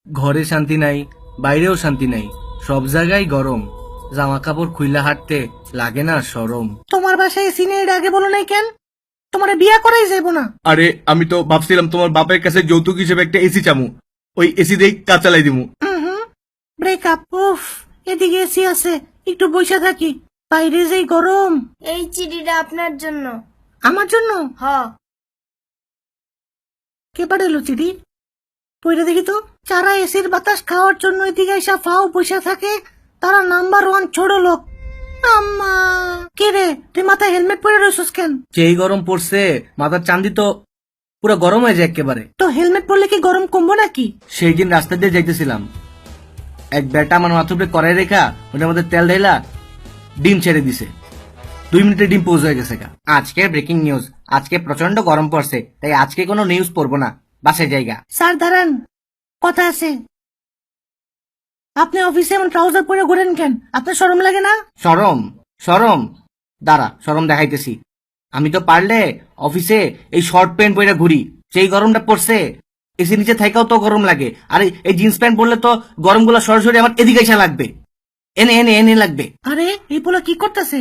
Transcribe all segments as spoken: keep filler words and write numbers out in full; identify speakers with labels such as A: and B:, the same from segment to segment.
A: ঘরে শান্তি নাই, বাইরেও শান্তি নাই, সব জায়গায় গরম। জামা কাপড় খুইলা হাঁটতে লাগে না শরম।
B: তোমার বাসায় এসি নেই, এটা আগে বলো নাই কেন? তোমার বিয়া করাই যাইব না।
C: আরে আমি তো ভাবছিলাম তোমার বাপের কাছে যৌতুক হিসেবে একটা এসি চামু, ওই এসি দিয়ে কাজ চালাই দিমু।
B: হুম ব্রেকআপ। উফ, এদিকে এসি আছে, একটু বসে থাকি। বাইরে যেই গরম।
D: এই চিঠিটা আপনার জন্য।
B: আমার জন্য?
D: হ।
B: কে পাঠালো চিঠি? পইরা দেখি তো। যারা এসির বাতাস খাওয়ার জন্য এদিকে এসে ফাও বসে থাকে, তারা নাম্বার ওয়ান ছোট লোক। আম্মা, কে রে তুই মাথায় হেলমেট পরে রয়েছিস কেন?
A: যেই গরম পড়ছে মাথার চান্দি তো পুরো গরম হয়ে যায় একেবারে।
B: তো হেলমেট পরলে কি গরম কমবো নাকি?
A: সেই দিন রাস্তা দিয়ে যাইতেছিলাম, এক বেটা আমার মাথার উপরে কড়াই রেখা ওটার মধ্যে তেল ঢেলা ডিম ছেড়ে দিছে। দুই মিনিটে ডিম পৌঁছ হয়ে গেছে। আজকে ব্রেকিং নিউজ, আজকে প্রচন্ড গরম পড়ছে, তাই আজকে কোনো নিউজ পড়বো না, বাসে জায়গা।
B: স্যার দাঁড়ান, কথা আছে। আপনি অফিসে এমন ট্রাউজার পরে ঘুরেন কেন? আপনার শরম লাগে না?
A: শরম? শরম? দাঁড়া, শরম দেখাইতেছি। আমি তো পারলে অফিসে এই শর্ট প্যান্ট পরে ঘুরি, যেই গরমটা পড়ছে এসি নিচে থাকাও তো গরম লাগে, আর এই জিন্স প্যান্ট পরলে তো গরমগুলো সরাসরি আমার এদিকে এসে লাগবে, এনে এনে এনে লাগবে।
B: আরে এই পোলা কি করতেছে?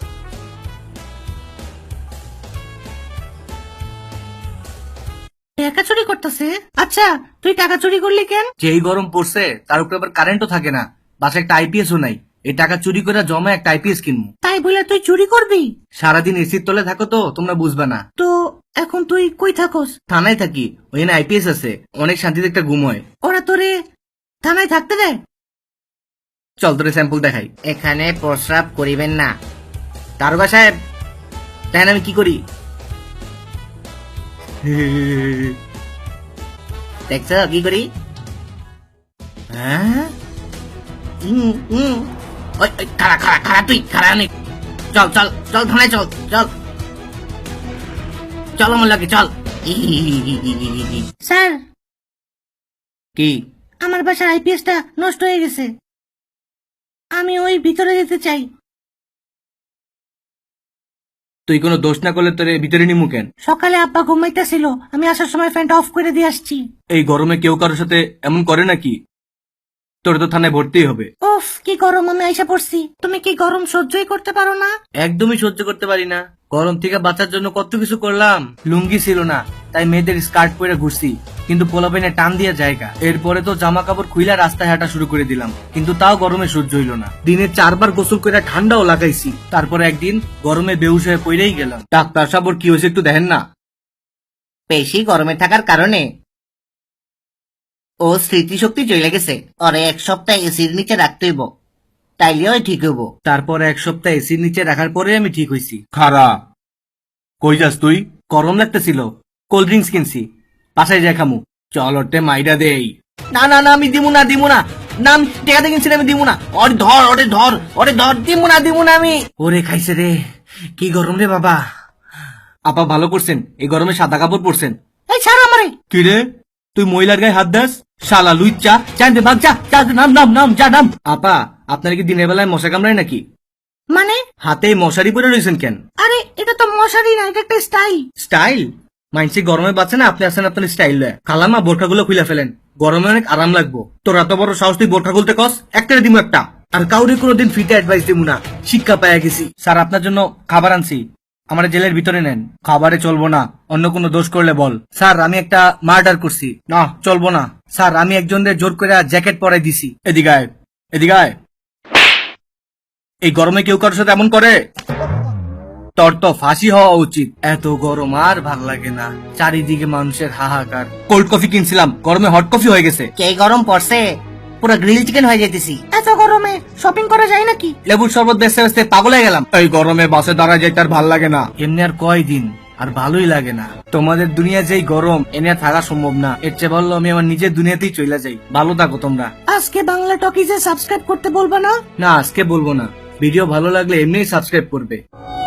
B: টাকা চুরি করতেছে? আচ্ছা, তুই টাকা চুরি করলি কেন?
A: যেই গরম পড়ছে তার উপরে আবার কারেন্টও থাকে না, বাসায় একটা আইপিএসও নাই, এই টাকা চুরি করে জমা একটা আইপিএস কিনবো।
B: তাই বলে তুই চুরি করবি?
A: সারাদিন এসির তলে থাকো তো তোমরা বুঝবা না।
B: তো এখন তুই কই থাকোস?
A: থানায় থাকি, ওইখানে আইপিএস আছে, অনেক শান্তিতে একটা ঘুম হয়।
B: ওরা তোরে থানায় থাকতে দেয়?
A: চল তোরে স্যাম্পল দেখাই। এখানে প্রস্রাব করিবেন না। দারোগা সাহেব, তাই আমি কি করি? দেখছ কি করি? হ্যাঁ, উম, উম। ওই, ওই, খাড়া খাড়া খাড়া তুই খাড়া অনেক। চল চল চল থানায় চল চল চল আমার লাগে চল।
B: স্যার,
A: কি?
B: আমার বাসার আইপিএসটা নষ্ট হয়ে গেছে, আমি ওই ভিতরে যেতে চাই।
A: তুই কোনো দোষ না করলে তোরে ভিতরে নিমু কেন?
B: সকালে আব্বা ঘুমাইতেছিল, আমি আসার সময় ফ্যানটা অফ করে দিয়ে আসছি।
A: এই গরমে কেউ কারোর সাথে এমন করে নাকি? তোর তো থানায় ভর্তিই হবে।
B: উফ, কি গরম, আমি আইসা পড়ছি। তুমি কি গরম সহ্যই করতে পারো না?
A: একদমই সহ্য করতে পারি না। গরম থেকে বাঁচার জন্য কত কিছু করলাম, লুঙ্গি ছিল না তাই মেয়েদের স্কার্ট পরে ঘুরছি, কিন্তু পোলাপেনে টান দিয়ে জায়গা। এরপরে তো জামা কাপড় খুইলা রাস্তায় হাঁটা শুরু করে দিলাম, কিন্তু তাও গরমে সহ্য হইল না। দিনে চারবার গোসল করে ঠান্ডাও লাগাইছি, তারপরে একদিন গরমে বেহুশ হয়ে পড়েই গেলাম। ডাক্তার সাহেব ওর কি হয়েছে একটু দেখেন না। বেশি গরমে থাকার কারণে ও স্মৃতিশক্তি চলে গেছে, ওরে এক সপ্তাহ এসির নিচে রাখতে হইব, তাইলেও ঠিক হইব। তারপর এক সপ্তাহ এসির নিচে রাখার পরে আমি ঠিক হইছি।
C: খারা, কই যাস তুই?
A: গরম লাগতেছিল, কোল্ড ড্রিঙ্কস কিনছি, বাসায় যাই খামু। চল ওটে মাইরা দেই। না না না, আমি দিমু না দিমু না, না আমি টেকাতে কিনছি, আমি দিমু না। ওরে ধর, ওরে ধর, ওরে ধর, দিমু না দিমু না আমি। ওরে খাইছে রে, কি গরম রে বাবা। আপা ভালো করছেন, এই গরমে সাদা কাপড় পরছেন।
B: এই ছাড়ো আমারে।
C: কি রে, তুই মহিলার গায়ে হাত দাস?
A: শালা লুইচ্চা, চাইতে ভাগ যা, যা নাম নাম নাম যা নাম। আপা আপনার কি দিনের বেলায় মশা কামড়ায় নাকি?
B: মানে?
A: হাতে মশারি পরে রয়েছেন কেন?
B: আরে এটা তো মশারি না, এটা একটা স্টাইল।
A: স্টাইল? মাইনসি গরমে বাঁচে না, আপনি আছেন আপনার স্টাইল লয়। খালামা বোরখাগুলো খুলে ফেলেন, গরমে অনেক আরাম লাগবো। তোর এত বড় সাহস তুই বোরখা খুলতে কস? একটা দিমু একটা, আর কাউরে কোনোদিন ফ্রিতে অ্যাডভাইস দিমু না, শিক্ষা পাইয়া গেছি। স্যার আপনার জন্য খাবার আনছি, আমার জেলের ভিতরে নেন। খাবারে চলবো না, অন্য কোনো দোষ করলে বল। স্যার আমি একটা মার্ডার করছি। না চলবো না। স্যার আমি একজনের জোর করে জ্যাকেট পরাই দিছি।
C: এদিকে আয়, এদিকে আয়। এই গরমে কেউ কারোর সাথে এমন করে?
A: তোর তো ফাঁসি হওয়া উচিত। এত গরম আর ভাল লাগে না, চারিদিকে মানুষের হাহাকার।
C: কোল্ড কফি কিনছিলাম, গরমে হট কফি হয়ে গেছে।
A: কে গরম পড়ছে, পুরো গ্রিল চিকেন হয়ে যেতেছি।
B: এত গরমে শপিং করা যায় নাকি?
A: লেবুর শরবত বেচতে বেচতে পাগল হয়ে গেলাম।
C: এই গরমে বাসে দাঁড়ায় যাইতে আর ভাল লাগে না।
A: এমনি আর কয়দিন, আর ভালোই লাগে না। তোমাদের দুনিয়া যেই গরম, এনে আর থাকা সম্ভব না। এর চেয়ে ভালো আমি আমার নিজের দুনিয়াতেই চলে যাই। ভালো থাকো তোমরা।
B: আজকে বাংলা টকিজে সাবস্ক্রাইব করতে বলবা না?
A: না আজকে বলবো না, ভিডিও ভালো লাগলে এমনিই সাবস্ক্রাইব করবে।